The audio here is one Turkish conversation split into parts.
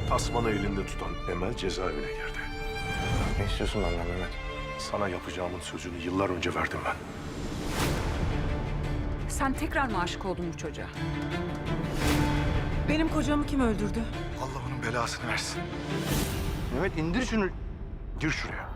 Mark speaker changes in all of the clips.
Speaker 1: Tasmanı elinde tutan Emel cezaevine girdi.
Speaker 2: Ne istiyorsun benden Mehmet?
Speaker 1: Sana yapacağımın sözünü yıllar önce verdim ben.
Speaker 3: Sen tekrar mı aşık oldun bu çocuğa?
Speaker 4: Benim kocamı kim öldürdü?
Speaker 1: Allah onun belasını versin.
Speaker 2: Mehmet indir şunu.
Speaker 1: Gir şuraya.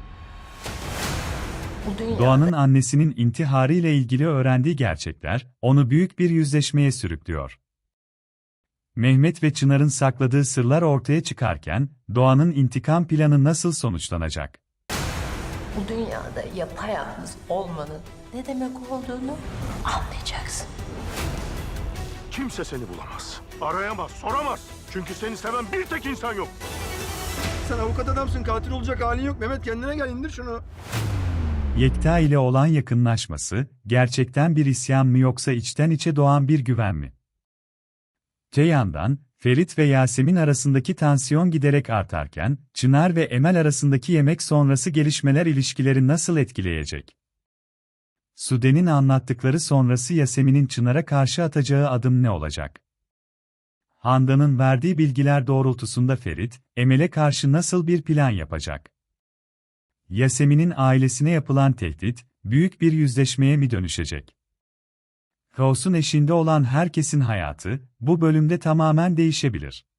Speaker 5: Bu dünyada
Speaker 6: Doğan'ın annesinin intiharı ile ilgili öğrendiği gerçekler, onu büyük bir yüzleşmeye sürüklüyor. Mehmet ve Çınar'ın sakladığı sırlar ortaya çıkarken, Doğan'ın intikam planı nasıl sonuçlanacak?
Speaker 5: bu dünyada yapayalnız olmanın ne demek olduğunu anlayacaksın.
Speaker 1: Kimse seni bulamaz. Arayamaz, soramaz. Çünkü seni seven bir tek insan yok.
Speaker 2: Sen avukat adamsın, katil olacak halin yok. Mehmet kendine gel, indir şunu.
Speaker 6: Yekta ile olan yakınlaşması, gerçekten bir isyan mı yoksa içten içe doğan bir güven mi? Öte yandan, Ferit ve Yasemin arasındaki tansiyon giderek artarken, Çınar ve Emel arasındaki yemek sonrası gelişmeler ilişkileri nasıl etkileyecek? Sude'nin anlattıkları sonrası Yasemin'in Çınar'a karşı atacağı adım ne olacak? Handan'ın verdiği bilgiler doğrultusunda Ferit, Emel'e karşı nasıl bir plan yapacak? Yasemin'in ailesine yapılan tehdit, büyük bir yüzleşmeye mi dönüşecek? Kaos'un eşiğinde olan herkesin hayatı, bu bölümde tamamen değişebilir.